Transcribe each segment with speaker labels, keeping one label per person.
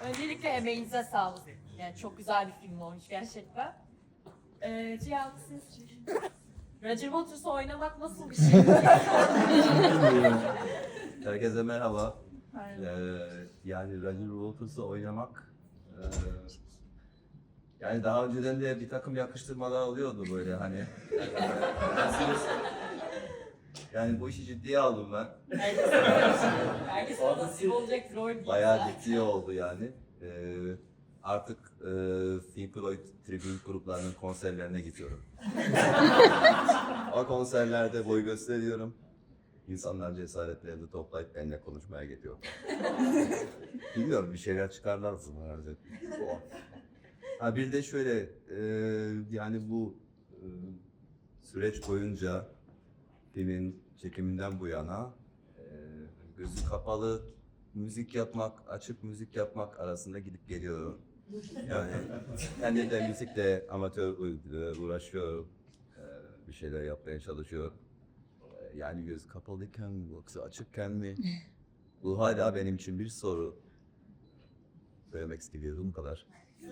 Speaker 1: Öncelikle emeğinize sağlık. Yani çok güzel bir film olmuş gerçekten. Cihan siz... Roger Waters'ı oynamak nasıl bir şey?
Speaker 2: Herkese merhaba. Yani Roger Waters'ı oynamak yani daha önceden de bir takım yakıştırmalar oluyordu böyle hani. Yani bu işi ciddiye aldım ben.
Speaker 1: Herkes nasip olacak rol değil.
Speaker 2: Bayağı ciddi oldu yani. Artık Pink Floyd tribün gruplarının konserlerine gidiyorum. O konserlerde boy gösteriyorum. İnsanlar cesaretlerini toplayıp benimle konuşmaya geliyor. Bilmiyorum, bir şeyler çıkarlar herhalde. Ha bir de şöyle, yani bu süreç boyunca filmin çekiminden bu yana gözü kapalı müzik yapmak, açık müzik yapmak arasında gidip geliyorum. Yani kendim de müzikle amatör uğraşıyorum. Bir şeyler yapmaya çalışıyorum. Yani göz kapalıyken mi yoksa açıkken mi? Bu hala benim için bir soru. Söylemek istediğim bu kadar.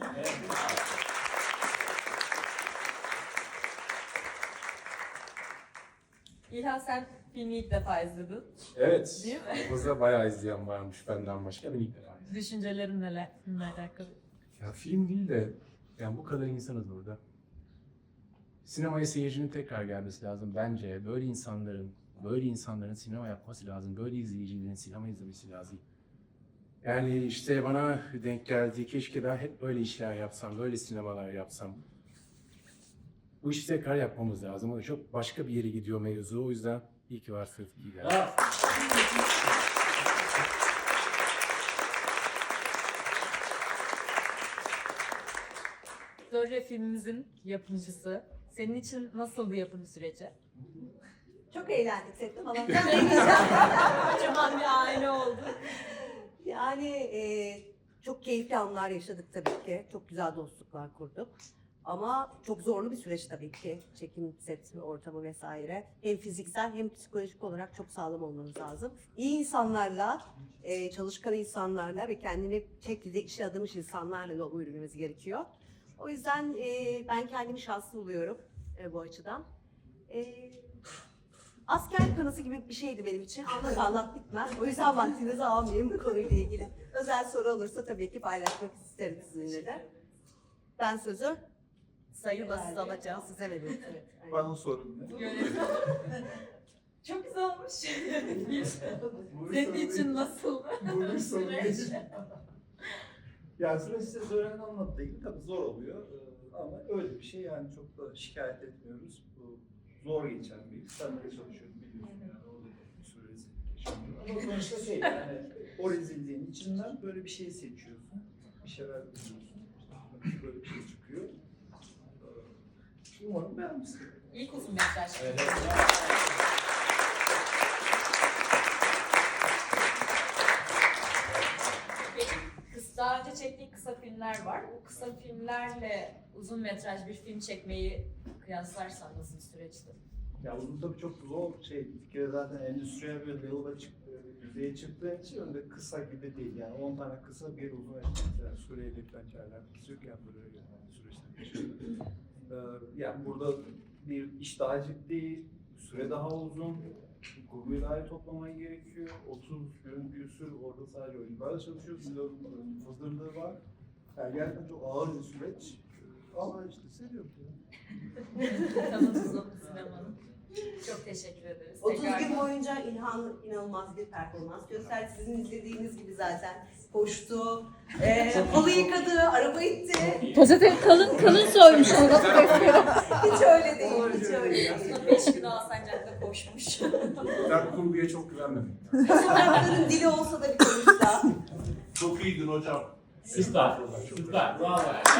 Speaker 3: İlhan sen filmi ilk defa izledin.
Speaker 4: Evet.
Speaker 3: Değil mi?
Speaker 4: Burada bayağı izleyen varmış benden başka. Ben ilk defa izledim.
Speaker 3: Düşüncelerin neler filmle alakalı?
Speaker 4: Ya film değil de yani bu kadar insanız burada. Sinemaya seyircinin tekrar gelmesi lazım bence. Böyle insanların sinema yapması lazım. Böyle izleyicilerin sinema izlemesi lazım. Yani işte bana denk geldi. Keşke ben hep böyle işler yapsam, böyle sinemalar yapsam. Bu işi tekrar yapmamız lazım. O çok başka bir yere gidiyor mevzu. O yüzden iyi ki varsınız. İyi geldiniz.
Speaker 3: Zorre filmimizin yapımcısı. Senin için nasıl bir yapım süreci?
Speaker 5: Çok eğlendik sette falan.
Speaker 3: Kocaman bir aile oldu.
Speaker 5: Yani çok keyifli anlar yaşadık tabii ki. Çok güzel dostluklar kurduk. Ama çok zorlu bir süreç tabii ki. Çekim, set ortamı vesaire. Hem fiziksel hem psikolojik olarak çok sağlam olmanız lazım. İyi insanlarla, çalışkan insanlarla ve kendini şekilde işe adamış insanlarla da yürümemiz gerekiyor. O yüzden ben kendimi şanslı buluyorum bu açıdan. Asker kanısı gibi bir şeydi benim için. Anlat bitmez. O yüzden vaktinizi almayayım bu konuyla ilgili. Özel soru olursa tabii ki paylaşmak isterim sizinle de. Ben sözü Sayın Basız alacağım. Size veriyorum. Evet, aynen.
Speaker 6: Bana sorun ne?
Speaker 3: Çok güzel olmuş. Senin için nasıl?
Speaker 6: Bu bir sorun değil. Yani süreç size Zoran'ın anlattığı gibi tabii zor oluyor. Ama öyle bir şey yani çok da şikayet etmiyoruz. Bu zor geçen bir iş. Ben de çalışıyorum biliyorsun yani orada bir sürü rezillik yaşanıyor. Ama sonuçta şey yani o rezilliğin içinden böyle bir şey seçiyorsun. Bir şeyler buluyorsun. Böyle bir şey çıkıyor. Umarım beğenmişsin.
Speaker 3: İlk uzun metraj. Daha önce çektiğin kısa filmler var. Bu kısa filmlerle uzun metraj bir film çekmeyi kıyaslarsan nasıl bir süreçti?
Speaker 6: Ya uzun tabii çok zor şey. Bir kere zaten endüstriyel bir level'a düzeye çıktığın için öyle kısa gibi değil. Yani 10 tane kısa bir uzun yani Suriye'yle bence alakası yok yani böyle yani süreçten geçiyor. Yani burada bir iş daha ciddi, süre daha uzun, kurguyu daha iyi toplaman gerekiyor. 30 gün küsür orada sadece oyuncularla çalışıyoruz. Milyonun hazırlığı var. Yani gerçekten çok ağır bir süreç. Ama işte seviyorum.
Speaker 3: Kanat uzun sinemanın. Çok teşekkür ederiz.
Speaker 5: 30
Speaker 3: Tekrar-
Speaker 5: gün boyunca İlhan inanılmaz bir performans gösterdi. Sizin izlediğiniz gibi zaten koştu, halı yıkadı, araba itti.
Speaker 7: Pozitif kalın soymuşsunuz.
Speaker 5: Hiç öyle değil, hiç öyle değil.
Speaker 3: 5 gün Alsancak'ta koşmuş.
Speaker 4: Ben kurguya çok güvenmedim.
Speaker 5: Sokakların dili olsa da bir konuşsa.
Speaker 6: Çok iyiydin hocam.
Speaker 4: Süper. Süper. Bravo.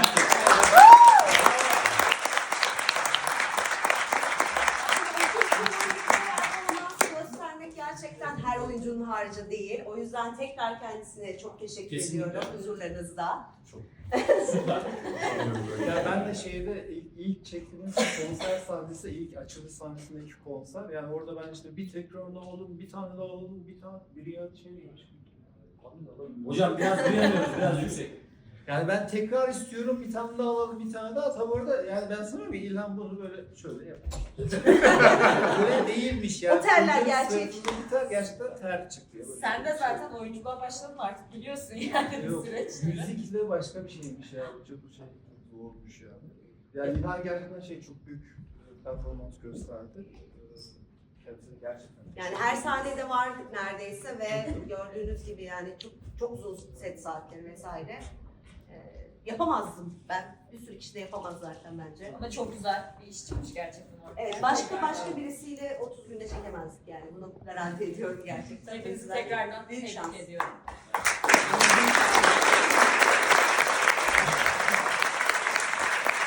Speaker 5: Göstermek gerçekten her oyuncunun harcı değil. O yüzden tekrar kendisine çok teşekkür
Speaker 4: Kesinlikle.
Speaker 5: ediyorum huzurlarınızda.
Speaker 4: Süper.
Speaker 6: Ya ben de ilk çektiğimiz konser sahnesi, ilk açılış sahnesindeki konser. Yani orada ben işte bir tekrar alalım, bir tane daha alalım, biri ya şey geçti.
Speaker 8: Hocam biraz duyamıyoruz, biraz yüksek.
Speaker 6: Yani ben tekrar istiyorum, bir tane daha alalım, bir tane daha. Tabi orada yani ben sanıyorum ki İlhan bunu böyle şöyle yapmış. Böyle değilmiş yani.
Speaker 5: O terler
Speaker 6: Filmin
Speaker 5: gerçek.
Speaker 6: sırtında bir ter, gerçekten ter çıktı. Ya, böyle
Speaker 3: Sen de
Speaker 6: şey.
Speaker 3: zaten oyunculuğa başladın artık biliyorsun yani bu
Speaker 6: Yok,
Speaker 3: süreçte.
Speaker 6: müzik de başka bir şeymiş ya. Çok şey zormuş ya. Yani İlhan gerçekten çok büyük performans gösterdi. Kendisi gerçekten.
Speaker 5: Yani her sahnede var neredeyse ve gördüğünüz gibi yani çok uzun set saatleri vesaire. Yapamazdım ben. Bir sürü kişi de yapamaz zaten bence.
Speaker 3: Ama çok güzel bir iş çıkmış gerçekten orada.
Speaker 5: Evet, başka birisiyle 30 günde çekemezdik yani. Bunu garanti ediyorum gerçekten.
Speaker 3: Hepinizi
Speaker 5: O yüzden
Speaker 3: tekrardan
Speaker 5: büyük
Speaker 3: tebrik
Speaker 5: şans.
Speaker 3: ediyorum.